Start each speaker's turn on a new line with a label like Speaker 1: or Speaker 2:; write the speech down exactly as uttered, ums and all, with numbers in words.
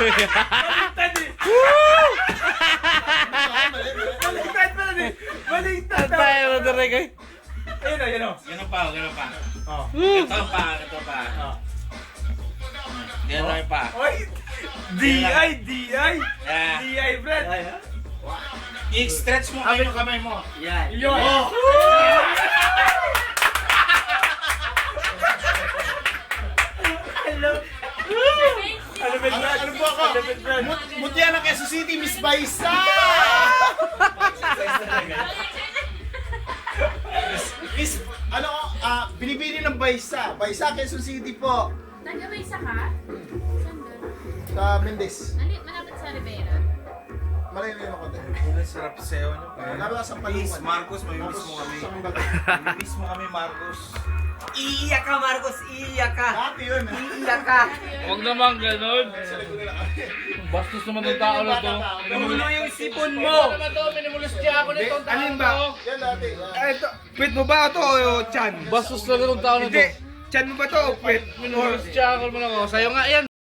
Speaker 1: Baliktad eh! Baliktad pa rin eh! Baliktad na!
Speaker 2: Tayo na direk ay.
Speaker 1: Ayun o, yun o.
Speaker 3: Ganun pa, ganun pa.
Speaker 1: Oh.
Speaker 3: Ito pa, ito pa.
Speaker 1: Oh.
Speaker 3: Ganun pa.
Speaker 1: Oy! D I, D I!
Speaker 3: Yeah.
Speaker 1: D I, Brad!
Speaker 3: I-stretch mo kayo yung kamay mo.
Speaker 4: Yan.
Speaker 1: Yun!
Speaker 3: Oh!
Speaker 1: Hello! Ano ba, Brad?
Speaker 5: Ano po ako?
Speaker 1: Ano ba, Brad?
Speaker 5: Mut mutya na Quezon City, Miss Baisa! Miss, ano, ah, binibili ng Baisa. Baisa, Quezon City po.
Speaker 6: Nagabay sa ka? Saan doon?
Speaker 5: Sa Mendez.
Speaker 6: Nali, malapit sa Rivera.
Speaker 5: Malayo na yun ako din.
Speaker 3: Ang sarap sayo nyo.
Speaker 5: Lalo ka sa
Speaker 3: Please,
Speaker 5: Palungan.
Speaker 3: Marcos, may miss mo kami. Miss mo kami, Marcos.
Speaker 4: Iiyak ka, Marcos. Iiyak ka.
Speaker 5: Dati yun. ah.
Speaker 4: Iiyak ka.
Speaker 2: Huwag naman ganun.
Speaker 5: Sa likod na lang kami.
Speaker 2: Bastos naman ng tao na to.
Speaker 4: Tumulo yung sipon mo.
Speaker 2: Ano naman to? Minimulus niya ako nitong tao
Speaker 1: Alin
Speaker 2: na
Speaker 1: ba?
Speaker 2: to.
Speaker 5: Yan dati. yan.
Speaker 1: Ay, ito. Pwede mo ba ito o Chan?
Speaker 2: Bastos lang ng tao na to.
Speaker 1: Hindi. Chan mo ba ito o pwede?
Speaker 2: Minimulus niya ako naman ako. Sa'yo nga yan.